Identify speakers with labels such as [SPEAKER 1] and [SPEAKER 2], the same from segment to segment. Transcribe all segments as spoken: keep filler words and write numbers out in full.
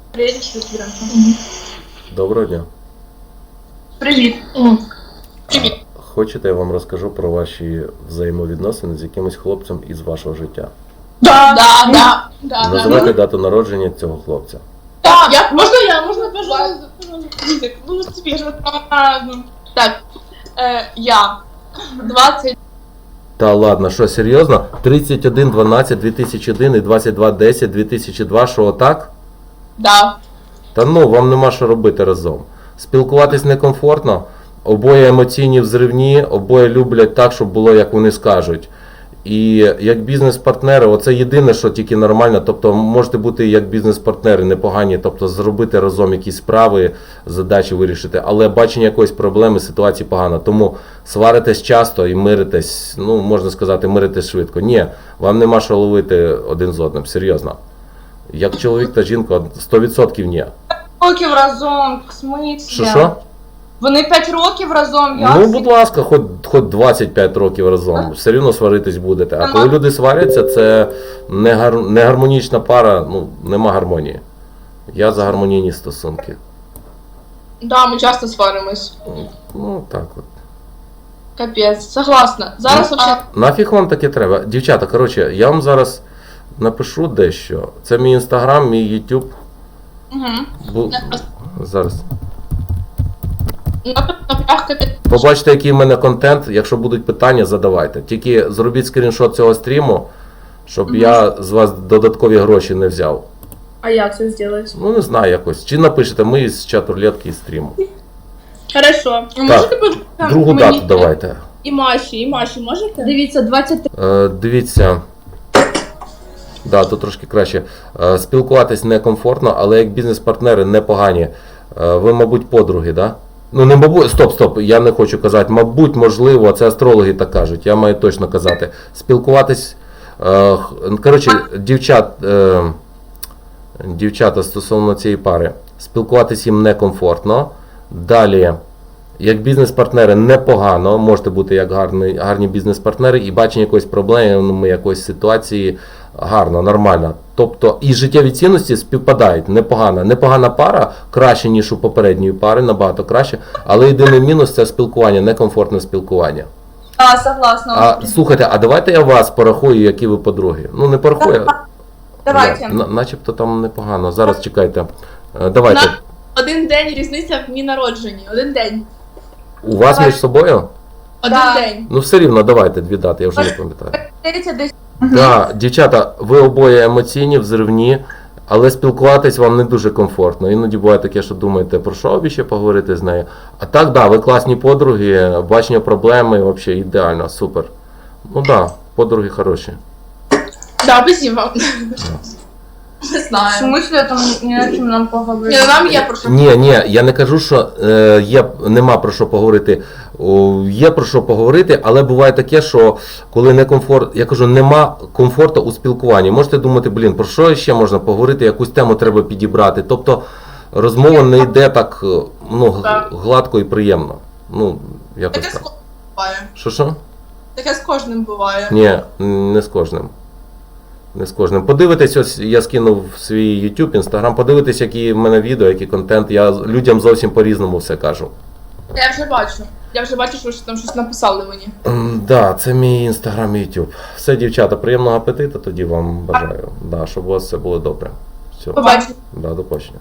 [SPEAKER 1] Доброго дня.
[SPEAKER 2] Привіт.
[SPEAKER 1] Привіт. Хочете, я вам розкажу про ваші взаємовідносини з якимось хлопцем із вашого життя?
[SPEAKER 2] Да, да, да. да
[SPEAKER 1] Називайте
[SPEAKER 2] да.
[SPEAKER 1] дату народження цього хлопця.
[SPEAKER 2] Так, я, можно я, можно, пожалуйста, язык, ну, тебе же, так, э, я, двадцать,
[SPEAKER 1] Та ладно, що, серйозно? тридцять один дванадцять дві тисячі один і двадцять два десять дві тисячі два, що отак?
[SPEAKER 2] да.
[SPEAKER 1] Та ну, вам нема що робити разом. Спілкуватись некомфортно, обоє емоційні взривні, обоє люблять так, щоб було, як вони скажуть. І як бізнес-партнери, оце єдине, що тільки нормально, тобто можете бути як бізнес-партнери непогані, тобто зробити разом якісь справи, задачі вирішити, але бачення якоїсь проблеми, ситуації погано. Тому сваритесь часто і миритесь, ну, можна сказати, миритесь швидко. Ні, вам нема що ловити один з одним, серйозно. Як чоловік та жінка, сто відсотків ні.
[SPEAKER 2] Років разом, в смислі?
[SPEAKER 1] Що, що?
[SPEAKER 2] Вони п'ять років разом, я...
[SPEAKER 1] Ну, будь ласка, хоч, хоч двадцять п'ять років разом, все рівно сваритись будете. А коли люди сваряться, це не, гар... не гармонічна пара, ну, нема гармонії. Я за гармонійні стосунки.
[SPEAKER 2] Да, ми часто сваримось.
[SPEAKER 1] Ну, так от.
[SPEAKER 2] Капець, согласна. Зараз
[SPEAKER 1] Ну,
[SPEAKER 2] вообще...
[SPEAKER 1] Нафіг вам таке треба? Дівчата, коротше, я вам зараз напишу дещо. Це мій інстаграм, мій ютуб.
[SPEAKER 2] Угу.
[SPEAKER 1] Бу... Зараз.
[SPEAKER 2] Капець.
[SPEAKER 1] Побачите, який в мене контент. Якщо будуть питання, задавайте. Тільки зробіть скріншот цього стріму, щоб
[SPEAKER 2] Мгм.
[SPEAKER 1] я з вас додаткові гроші не взяв.
[SPEAKER 2] А як це зробити?
[SPEAKER 1] Ну, не знаю якось. Чи напишете ми з чату рулетки і стріму.
[SPEAKER 2] Хорошо.
[SPEAKER 1] Так, другу дату давайте.
[SPEAKER 2] І Маші, і Маші можете? Дивіться, двадцять три.
[SPEAKER 1] Е, дивіться. Да, тут трошки краще. Е, спілкуватись некомфортно, але як бізнес-партнери непогані. Е, ви, мабуть, подруги, да? Ну, не мабуть, стоп, стоп, я не хочу казати. Мабуть, можливо, це астрологи так кажуть, я маю точно казати. Спілкуватись, е, коротше, дівчат, е, дівчата стосовно цієї пари, спілкуватись їм некомфортно. Далі, як бізнес-партнери непогано, можете бути як гарні, гарні бізнес-партнери і бачення якоїсь проблеми, якоїсь ситуації гарно, нормально. Тобто і життєві цінності співпадають, непогано. Непогана пара, краще, ніж у попередньої пари, набагато краще, але єдиний мінус – це спілкування, некомфортне спілкування.
[SPEAKER 2] А, согласна.
[SPEAKER 1] А, слухайте, а давайте я вас порахую, які ви подруги. Ну, не порахую.
[SPEAKER 2] Давайте.
[SPEAKER 1] На, начебто там непогано. Зараз чекайте. Е, Давайте.
[SPEAKER 2] На один день різниця в дні народженні. Один день.
[SPEAKER 1] У вас
[SPEAKER 2] Давай.
[SPEAKER 1] між собою?
[SPEAKER 2] Один
[SPEAKER 3] Да.
[SPEAKER 2] день.
[SPEAKER 1] Ну, все рівно, давайте дві дати, я вже не пам'ятаю.
[SPEAKER 3] тридцять десь.
[SPEAKER 1] Так, дівчата, ви обоє емоційні, взривні, але спілкуватись вам не дуже комфортно. Іноді буває таке, що думаєте, про що б ще поговорити з нею. А так, да, ви класні подруги, бачення проблеми, взагалі ідеально, супер. Ну так, да, подруги хороші.
[SPEAKER 2] Да, спасибо. Не
[SPEAKER 3] В
[SPEAKER 2] знаю.
[SPEAKER 3] смысле, там не о чим нам поговорити?
[SPEAKER 2] Ні, нам є про що.
[SPEAKER 1] Ні, ні, я не кажу, що е, є, нема про що поговорити. О, є про що поговорити, але буває таке, що коли не комфорт, я кажу, нема комфорту у спілкуванні. Можете думати, блін, про що ще можна поговорити, якусь тему треба підібрати. Тобто розмова не йде так, е, ну, г-
[SPEAKER 2] Так.
[SPEAKER 1] гладко і приємно. Ну, якось
[SPEAKER 2] Таке з
[SPEAKER 1] так.
[SPEAKER 2] кожним буває.
[SPEAKER 1] Що що?
[SPEAKER 2] Таке з кожним буває.
[SPEAKER 1] Ні, не з кожним. Не з кожним. Подивитесь, ось я скинув в свій YouTube, Instagram, подивитесь, які в мене відео, який контент. Я людям зовсім по-різному все кажу.
[SPEAKER 2] Я вже бачу. Я вже бачу, що ви там щось написали мені.
[SPEAKER 1] Так, да, це мій Instagram і YouTube. Все, дівчата, приємного апетиту тоді вам бажаю. Да, щоб у вас все було добре. Все.
[SPEAKER 2] Побачимо.
[SPEAKER 1] Да, до побачення.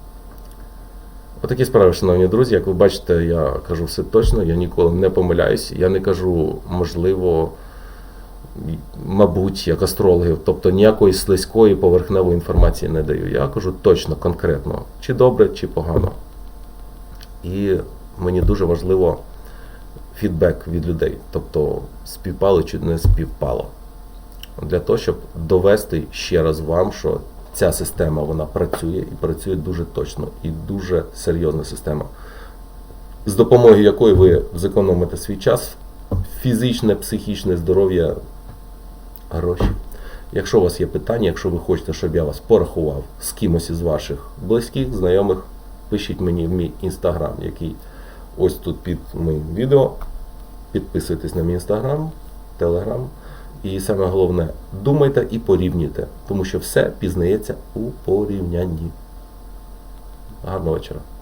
[SPEAKER 1] Отакі справи, шановні друзі. Як ви бачите, я кажу все точно, я ніколи не помиляюсь. Я не кажу, можливо, мабуть, як астрологи, тобто ніякої слизької поверхневої інформації не даю. Я кажу точно, конкретно, чи добре, чи погано. І мені дуже важливо фідбек від людей, тобто співпало чи не співпало. Для того, щоб довести ще раз вам, що ця система, вона працює і працює дуже точно, і дуже серйозна система, з допомогою якої ви зекономите свій час, фізичне, психічне здоров'я, гроші. Якщо у вас є питання, якщо ви хочете, щоб я вас порахував з кимось із ваших близьких, знайомих, пишіть мені в мій інстаграм, який ось тут під моїм відео. Підписуйтесь на мій інстаграм, телеграм. І саме головне, думайте і порівнюйте, тому що все пізнається у порівнянні. Гарного вечора.